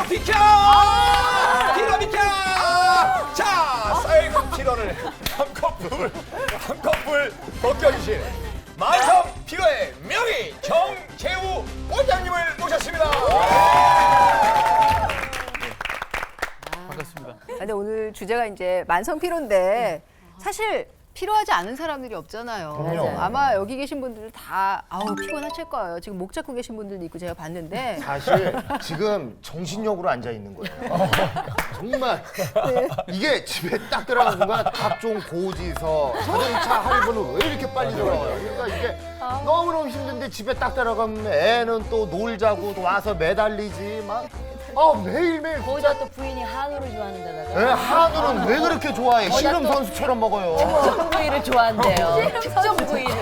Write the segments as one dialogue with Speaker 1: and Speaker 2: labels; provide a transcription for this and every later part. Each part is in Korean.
Speaker 1: 비켜! 피로 비켜! 자, 쌓여있는 피로를 한 커플 벗겨주실 만성 피로의 명의 정재우 원장님을 모셨습니다.
Speaker 2: 반갑습니다.
Speaker 3: 근데 오늘 주제가 이제 만성 피로인데 사실 피로하지 않은 사람들이 없잖아요.
Speaker 1: 그럼요.
Speaker 3: 아마 여기 계신 분들 다 아우 피곤하실 거예요. 지금 목 잡고 계신 분들도 있고 제가 봤는데
Speaker 4: 사실 지금 정신력으로 앉아 있는 거예요. 정말 이게 집에 딱 들어가는 순간 각종 고지서, 자동차 할부는 왜 이렇게 빨리 들어와요? 그러니까 이게 너무너무 힘든데 집에 딱 들어가면 애는 또 놀자고 또 와서 매달리지 막. 매일매일
Speaker 5: 거기다 또 부인이 한우를 좋아하는 데다가
Speaker 4: 애 한우는 왜 그렇게 좋아해? 씨름 선수처럼 먹어요.
Speaker 5: 특정 부위를 좋아한대요. 특정 부위를.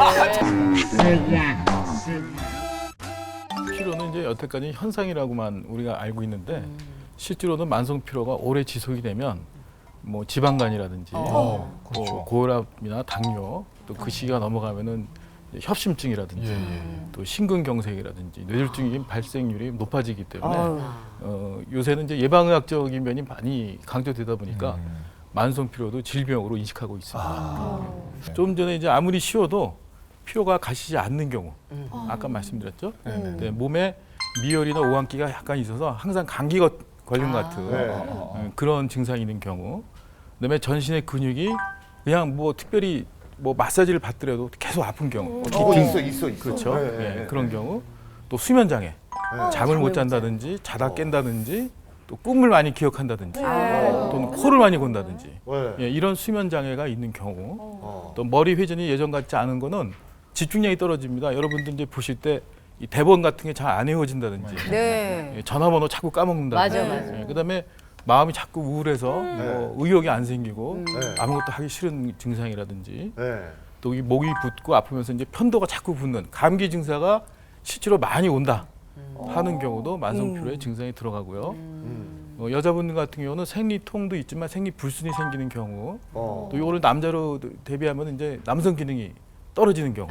Speaker 2: 피로는 이제 여태까지 현상이라고만 우리가 알고 있는데 실제로는 만성 피로가 오래 지속이 되면 뭐 지방간이라든지 뭐 고혈압이나 당뇨 또 그 시기가 넘어가면은 협심증이라든지 또 심근경색이라든지 뇌졸중의 발생률이 높아지기 때문에 요새는 이제 예방의학적인 면이 많이 강조되다 보니까 만성 피로도 질병으로 인식하고 있습니다. 좀 전에 이제 아무리 쉬어도 피로가 가시지 않는 경우 아까 말씀드렸죠. 네, 몸에 미열이나 오한기가 약간 있어서 항상 감기 걸린 것 같은 그런 증상이 있는 경우, 그다음에 전신의 근육이 그냥 뭐 특별히 뭐 마사지를 받더라도 계속 아픈 경우,
Speaker 4: 있어.
Speaker 2: 그렇죠.
Speaker 4: 네.
Speaker 2: 그런 경우, 또 수면 장애, 잠을 못 잔다든지 자다 깬다든지, 또 꿈을 많이 기억한다든지, 또는 코를 많이 곤다든지, 이런 수면 장애가 있는 경우, 또 머리 회전이 예전 같지 않은 거는 집중력이 떨어집니다. 여러분들 이제 보실 때 이 대본 같은 게 잘 안 외워진다든지,
Speaker 3: 네.
Speaker 2: 전화번호 자꾸 까먹는다든지,
Speaker 5: 맞아.
Speaker 2: 그다음에 마음이 자꾸 우울해서 뭐 의욕이 안 생기고 아무것도 하기 싫은 증상이라든지, 또 이 목이 붓고 아프면서 이제 편도가 자꾸 붓는 감기 증세가 실제로 많이 온다 하는 경우도 만성 피로의 증상이 들어가고요. 여자분들 같은 경우는 생리통도 있지만 생리불순이 생기는 경우, 또 이거를 남자로 대비하면 이제 남성 기능이 떨어지는 경우.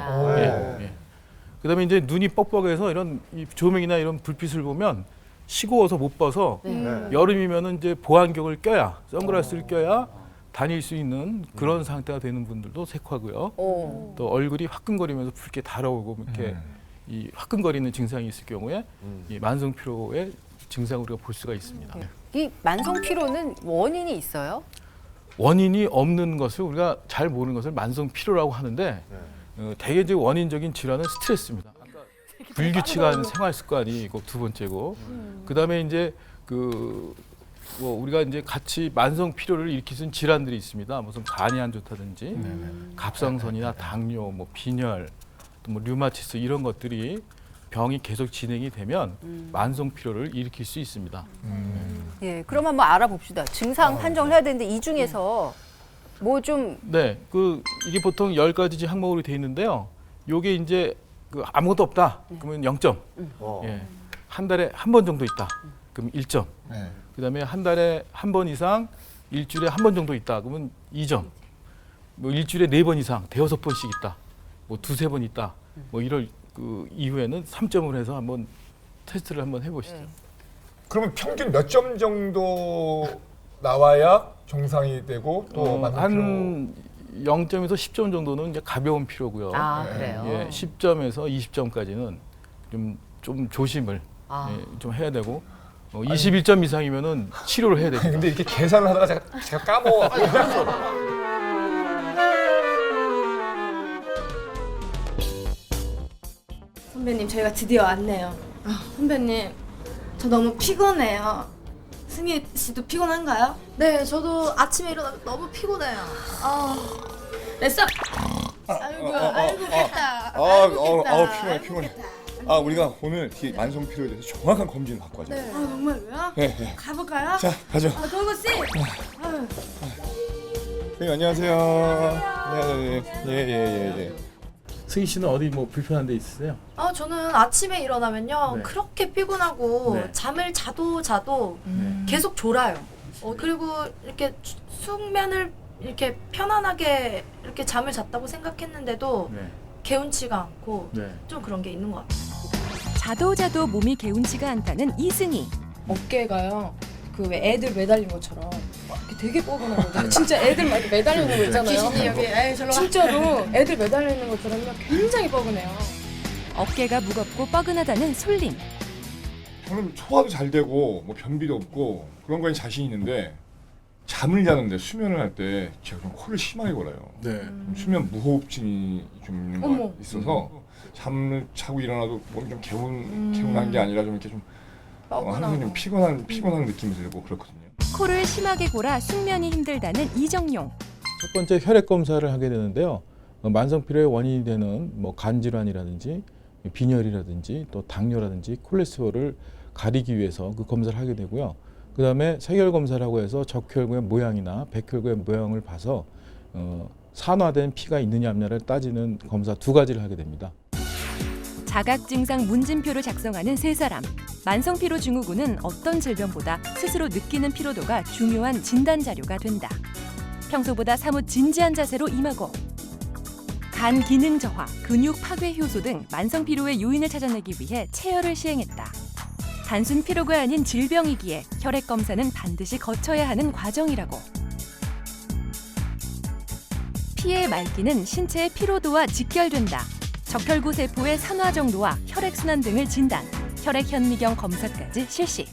Speaker 2: 그다음에 이제 눈이 뻑뻑해서 이런 이 조명이나 이런 불빛을 보면 시고워서 못 봐서 여름이면은 이제 보안경을 껴야, 선글라스를 껴야 다닐 수 있는 그런 상태가 되는 분들도 색하고요. 또 얼굴이 화끈거리면서 붉게 달아오고 이렇게 이 화끈거리는 증상이 있을 경우에 이 만성 피로의 증상을 우리가 볼 수가 있습니다.
Speaker 3: 이 만성 피로는 원인이 있어요?
Speaker 2: 원인이 없는 것을 우리가 잘 모르는 것을 만성 피로라고 하는데 대개 이제 원인적인 질환은 스트레스입니다. 아까 불규칙한 생활 습관이 있고 두 번째고, 그다음에 이제 뭐 우리가 이제 같이 만성 피로를 일으키는 질환들이 있습니다. 무슨 간이 안 좋다든지, 갑상선이나 당뇨, 뭐 빈혈, 또 뭐 류마티스 이런 것들이 병이 계속 진행이 되면 만성 피로를 일으킬 수 있습니다.
Speaker 3: 예, 그럼 한번 알아봅시다. 증상 한정을 해야 되는데 이 중에서 뭐 좀
Speaker 2: 네, 이게 보통 10가지 항목으로 돼 있는데요. 요게 이제 아무것도 없다. 그러면 0점. 예. 한 달에 한 번 정도 있다. 그럼 1점. 그다음에 한 달에 한 번 이상, 일주일에 한 번 정도 있다. 그러면 2점. 뭐 일주일에 4번 이상, 대여섯 번씩 있다. 뭐 두세 번 있다. 뭐 이럴 이후에는 3점을 해서 한번 테스트를 한번 해보시죠.
Speaker 1: 그러면 평균 몇 점 정도 나와야 정상이 되고 또 만성
Speaker 2: 한 0점에서 10점 정도는 이제 가벼운 피로고요.
Speaker 5: 그래요?
Speaker 2: 예, 10점에서 20점까지는 좀 조심을 좀 해야 되고, 21점 이상이면은 치료를 해야 됩니다.
Speaker 1: 근데 이렇게 계산을 하다가 제가 까먹어.
Speaker 6: 선배님, 저희가 드디어 왔네요. 선배님, 저 너무 피곤해요. 승희 씨도 피곤한가요?
Speaker 7: 네, 저도 아침에 일어나면 너무 피곤해요.
Speaker 6: 됐어. 아이고 깼다.
Speaker 8: 피곤해. 우리가 오늘 이 만성 피로에 대해서 정확한 검진을 받고 하자.
Speaker 7: 네.
Speaker 6: 정말로요?
Speaker 8: 네.
Speaker 6: 가볼까요?
Speaker 8: 자, 가죠.
Speaker 6: 도구 씨.
Speaker 8: 네, 안녕하세요. 예.
Speaker 2: 승희 씨는 어디 뭐 불편한 데 있으세요?
Speaker 7: 저는 아침에 일어나면요.
Speaker 2: 네.
Speaker 7: 그렇게 피곤하고
Speaker 2: 네.
Speaker 7: 잠을 자도 계속 졸아요. 그리고 이렇게 숙면을 이렇게 편안하게 이렇게 잠을 잤다고 생각했는데도
Speaker 2: 네.
Speaker 7: 개운치가 않고
Speaker 2: 네.
Speaker 7: 좀 그런 게 있는 것 같아요.
Speaker 9: 자도 몸이 개운치가 않다는 이승희.
Speaker 6: 어깨가요. 그 왜 애들 매달린 것처럼 이렇게 되게 뻐근하거든요. 진짜 애들 막 이렇게 매달리는 거 있잖아요. 귀신이 여기 진짜로 애들 매달리는 것처럼요. 굉장히 뻐근해요.
Speaker 9: 어깨가 무겁고 뻐근하다는 솔림.
Speaker 8: 저는 소화도 잘 되고 뭐 변비도 없고 그런 거에 자신 있는데 잠을 자는데 수면을 할 때 제가 좀 코를 심하게 골아요.
Speaker 2: 네.
Speaker 8: 수면 무호흡증이 좀 있는 거
Speaker 6: 어머.
Speaker 8: 있어서 잠을 자고 일어나도 몸이 좀 개운한 게 아니라 좀 이렇게 좀 항상 좀 피곤한 느낌이 들고 그렇거든요.
Speaker 9: 코를 심하게 골아 숙면이 힘들다는 이정용.
Speaker 2: 첫 번째 혈액 검사를 하게 되는데요. 만성 피로의 원인이 되는 뭐 간 질환이라든지 빈혈이라든지 또 당뇨라든지 콜레스테롤을 가리기 위해서 그 검사를 하게 되고요. 그다음에 세결 검사라고 해서 적혈구의 모양이나 백혈구의 모양을 봐서 산화된 피가 있느냐 없느냐를 따지는 검사 두 가지를 하게 됩니다.
Speaker 9: 자각 증상 문진표를 작성하는 세 사람. 만성 피로 증후군은 어떤 질병보다 스스로 느끼는 피로도가 중요한 진단 자료가 된다. 평소보다 사뭇 진지한 자세로 임하고 간 기능 저하, 근육 파괴 효소 등 만성 피로의 요인을 찾아내기 위해 체열을 시행했다. 단순 피로가 아닌 질병이기에 혈액 검사는 반드시 거쳐야 하는 과정이라고. 피의 맑기는 신체의 피로도와 직결된다. 적혈구 세포의 산화 정도와 혈액순환 등을 진단, 혈액 현미경 검사까지 실시.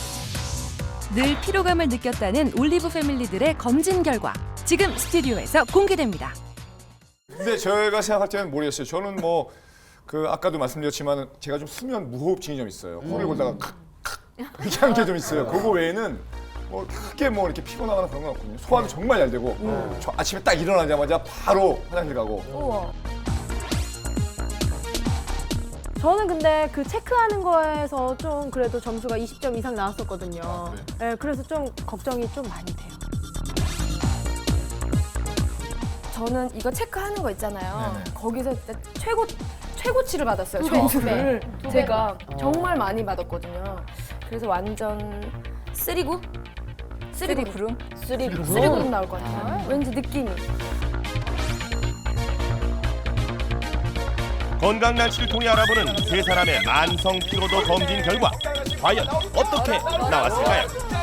Speaker 9: 늘 피로감을 느꼈다는 올리브 패밀리들의 검진 결과 지금 스튜디오에서 공개됩니다.
Speaker 8: 근데 제가 생각할 때는 모르겠어요. 저는 뭐 그 아까도 말씀드렸지만 제가 좀 수면 무호흡증이 좀 있어요. 코를 골다가 칵칵 이렇게 하는 게 좀 있어요. 그거 외에는 뭐 크게 뭐 이렇게 피곤하거나 그런 건 없거든요. 소화도 정말 잘 되고 저 아침에 딱 일어나자마자 바로 화장실 가고.
Speaker 3: 우와.
Speaker 10: 저는 근데 그 체크하는 거에서 좀 그래도 점수가 20점 이상 나왔었거든요.
Speaker 8: 아,
Speaker 10: 네, 그래서 좀 걱정이 좀 많이 돼요.
Speaker 6: 저는 이거 체크하는 거 있잖아요.
Speaker 1: 네네.
Speaker 6: 거기서 진짜 최고치를 받았어요. 점수를 제가 정말 많이 받았거든요. 그래서 완전 3구? 3구 구름? 3구름 나올 것 같아요. 왠지 느낌이.
Speaker 11: 건강 날씨를 통해 알아보는 세 사람의 만성 피로도 검진 결과 과연 어떻게 나왔을까요?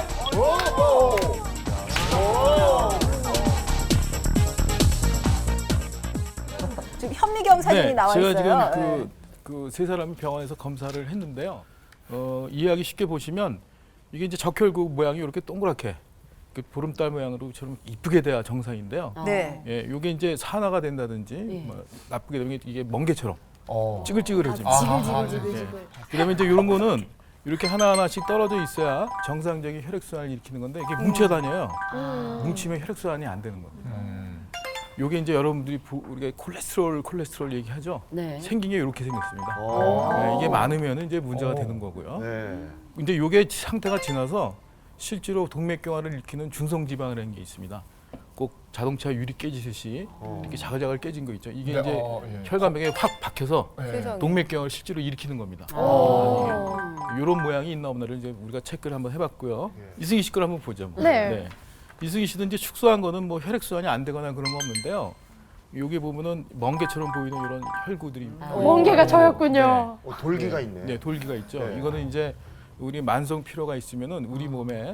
Speaker 3: 지금 현미경 사진이 나와 있어요.
Speaker 2: 제가 지금 그 세 사람이 병원에서 검사를 했는데요. 이해하기 쉽게 보시면 이게 이제 적혈구 모양이 이렇게 동그랗게 그 보름달 모양으로처럼 이쁘게 돼야 정상인데요.
Speaker 3: 네.
Speaker 2: 예, 이게 이제 산화가 된다든지 뭐 나쁘게 되면 이게 멍게처럼 찌글찌글해집니다.
Speaker 6: 지글지글.
Speaker 2: 그다음에 이제 이런 거는 이렇게 하나하나씩 떨어져 있어야 정상적인 혈액순환을 일으키는 건데 이게 뭉쳐 다녀요. 뭉치면 혈액순환이 안 되는 겁니다. 요게 이제 여러분들이 우리가 콜레스테롤 얘기하죠.
Speaker 5: 네.
Speaker 2: 생긴 게 이렇게 생겼습니다. 네, 이게 많으면 이제 문제가 되는 거고요.
Speaker 4: 네.
Speaker 2: 근데 요게 상태가 지나서 실제로 동맥경화를 일으키는 중성지방이라는 게 있습니다. 꼭 자동차 유리 깨지듯이 이렇게 자글자글 깨진 거 있죠. 이게
Speaker 1: 네,
Speaker 2: 이제
Speaker 1: 예.
Speaker 2: 혈관벽에 확 박혀서
Speaker 3: 세상에.
Speaker 2: 동맥경화를 실제로 일으키는 겁니다. 이런 모양이 있나 없나를 이제 우리가 체크를 한번 해봤고요. 이승희 씨 걸 한번 보죠. 뭐.
Speaker 10: 네.
Speaker 2: 이승희 씨도 이제 축소한 거는 뭐 혈액순환이 안 되거나 그런 거 없는데요. 여기 보면은 멍게처럼 보이는 이런 혈구들이
Speaker 10: 멍게가 저였군요.
Speaker 4: 돌기가 있네.
Speaker 2: 네, 돌기가 있죠.
Speaker 4: 네.
Speaker 2: 이거는 이제 우리 만성 피로가 있으면은 우리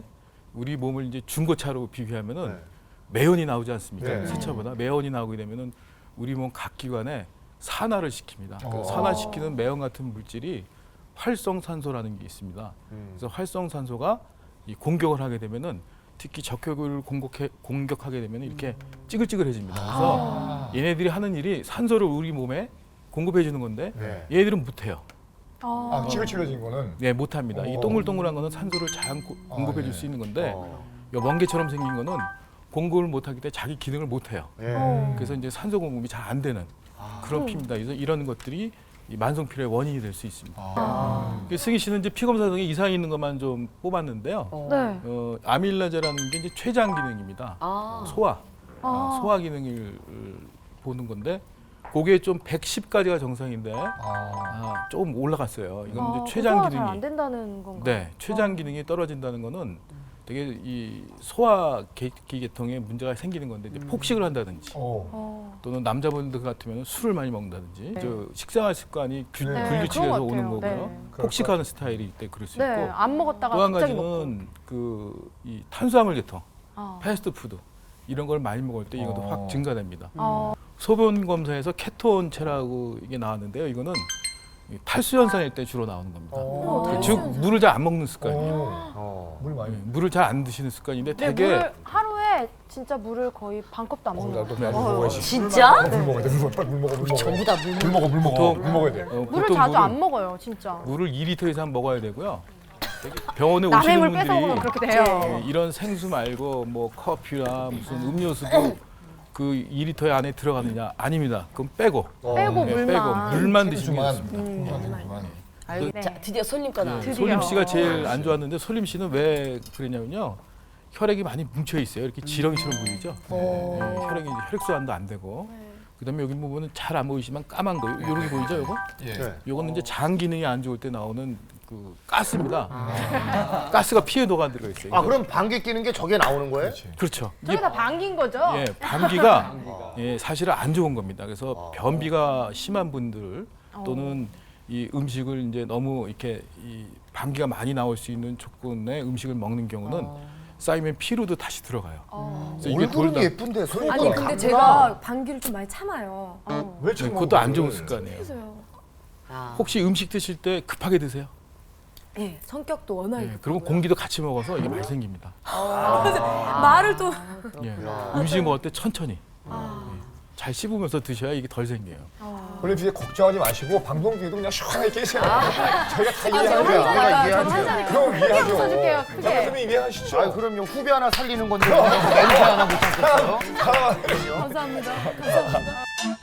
Speaker 2: 몸을 이제 중고차로 비교하면은
Speaker 4: 네.
Speaker 2: 매연이 나오지 않습니까?
Speaker 4: 네.
Speaker 2: 새 차보다 매연이 나오게 되면은 우리 몸 각 기관에 산화를 시킵니다. 그 산화시키는 매연 같은 물질이 활성산소라는 게 있습니다. 그래서 활성산소가 이 공격을 하게 되면은 특히 적혈구를 공격하게 되면 이렇게 찌글찌글해집니다. 그래서 얘네들이 하는 일이 산소를 우리 몸에 공급해 주는 건데
Speaker 4: 네.
Speaker 2: 얘네들은 못해요.
Speaker 1: 찌글찌글해진 거는
Speaker 2: 네, 못합니다. 이 동글동글한 거는 산소를 잘 공급해 줄 수 있는 건데 요 멍게처럼 생긴 거는 공급을 못하기 때문에 자기 기능을 못해요. 그래서 이제 산소 공급이 잘 안 되는 그런 피입니다. 그래서 이런 것들이 이 만성 피로의 원인이 될 수 있습니다. 승희 씨는 이제 피 검사 중에 이상이 있는 것만 좀 뽑았는데요.
Speaker 10: 네.
Speaker 2: 아밀라제라는 게 이제 췌장 기능입니다. 소화 기능을 보는 건데 그게 좀 110까지가 정상인데 좀 올라갔어요. 이건 이제 췌장
Speaker 10: 소화가
Speaker 2: 기능이
Speaker 10: 잘안 된다는 건가요?
Speaker 2: 네, 췌장 기능이 떨어진다는 거는 되게 이 소화기 계통에 문제가 생기는 건데 이제 폭식을 한다든지 또는 남자분들 같으면 술을 많이 먹는다든지 저 식생활 습관이 불규칙해서
Speaker 10: 그런 것
Speaker 2: 오는
Speaker 10: 같아요.
Speaker 2: 거고요.
Speaker 10: 네.
Speaker 2: 폭식하는 스타일일 때 그럴 수
Speaker 10: 네,
Speaker 2: 있고
Speaker 10: 안 먹었다가
Speaker 2: 또 한
Speaker 10: 갑자기
Speaker 2: 가지는 그 이 탄수화물 계통,
Speaker 10: 먹고.
Speaker 2: 패스트푸드 이런 걸 많이 먹을 때 이것도 확 증가됩니다.
Speaker 10: 어.
Speaker 2: 소변 검사에서 케톤체라고 이게 나왔는데요. 이거는 이 탈수 현상일 때 주로 나오는 겁니다. 즉 물을 잘 안 먹는 습관이에요.
Speaker 1: 물 많이.
Speaker 2: 물을 잘 안 드시는 습관인데
Speaker 10: 네,
Speaker 2: 되게
Speaker 10: 물을 하루에 진짜 물을 거의 반 컵도 안 먹는
Speaker 1: 나도
Speaker 10: 것 같아요.
Speaker 1: 물 먹어야지.
Speaker 5: 진짜?
Speaker 1: 물 먹어야 돼. 물 먹어. 물 먹어. 물 먹어.
Speaker 5: 전부 다 물.
Speaker 1: 물 먹어. 물 먹어.
Speaker 2: 보통-
Speaker 1: 물 먹어야 돼.
Speaker 10: 물을
Speaker 2: 보통
Speaker 10: 자주 안 먹어요, 진짜.
Speaker 2: 물을 2리터 이상 먹어야 되고요. 병원에
Speaker 10: 남의
Speaker 2: 오시는
Speaker 10: 물
Speaker 2: 분들이
Speaker 10: 뺏어 먹으면 그렇게 돼요.
Speaker 2: 예, 이런 생수 말고 뭐 커피나 무슨 음료수도 그 2리터 안에 들어가느냐? 아닙니다. 그럼 빼고
Speaker 10: 빼고
Speaker 2: 네,
Speaker 10: 물만.
Speaker 2: 빼고 물만 드시면
Speaker 1: 주만.
Speaker 2: 좋습니다.
Speaker 5: 아유,
Speaker 10: 네.
Speaker 5: 자, 드디어 손님 거 나왔네.
Speaker 10: 드디어.
Speaker 2: 솔림 씨가 제일 안 좋았는데 솔림 씨는 왜 그랬냐면요. 혈액이 많이 뭉쳐 있어요. 이렇게 지렁이처럼 보이죠. 네, 혈액이 이제 혈액 순환도 안 되고. 그다음에 여기 부분은 잘 안 보이지만 까만 거 요렇게 보이죠, 요거?
Speaker 1: 예.
Speaker 2: 요거는 이제 장 기능이 안 좋을 때 나오는 그 가스입니다. 가스가 피해 녹아 들어 있어요.
Speaker 4: 아 그럼 방귀 끼는 게 저게 나오는 거예요?
Speaker 2: 그렇죠.
Speaker 10: 저게 다 반긴 거죠?
Speaker 2: 예, 감기가 예, 사실은 안 좋은 겁니다. 그래서 변비가 심한 분들 또는 이 음식을 이제 너무 이렇게 이 감기가 많이 나올 수 있는 조건의 음식을 먹는 경우는 쌓이면 피로도 다시 들어가요. 그래서 이게
Speaker 4: 얼굴은
Speaker 2: 돌다
Speaker 4: 예쁜데 손이
Speaker 6: 아니 근데 제가 방귀를 좀 많이 참아요.
Speaker 1: 왜
Speaker 2: 네,
Speaker 1: 지금
Speaker 2: 그것도 안 좋은 습관이에요.
Speaker 6: 그래서요.
Speaker 5: 아.
Speaker 2: 혹시 음식 드실 때 급하게 드세요?
Speaker 6: 예, 성격도 워낙.
Speaker 2: 예, 그러면 공기도 같이 먹어서 이게 많이 생깁니다.
Speaker 6: 말을 또.
Speaker 2: 예, 음식 먹을 때 천천히 예, 잘 씹으면서 드셔야 이게 덜 생겨요.
Speaker 1: 원래 이제 걱정하지 마시고 방송 중에도 그냥 시원하게 깨세요. 저희가 다 이해하고요.
Speaker 4: 내가
Speaker 10: 한
Speaker 4: 이해하죠.
Speaker 10: 잔에
Speaker 1: 그럼 이해하죠.
Speaker 10: 웃어줄게요, 크게.
Speaker 1: 장사님이 이해하시죠.
Speaker 4: 아 그럼요 후배 하나 살리는 건데 냄새 하나 못 참겠어요?
Speaker 6: 감사합니다. 감사합니다.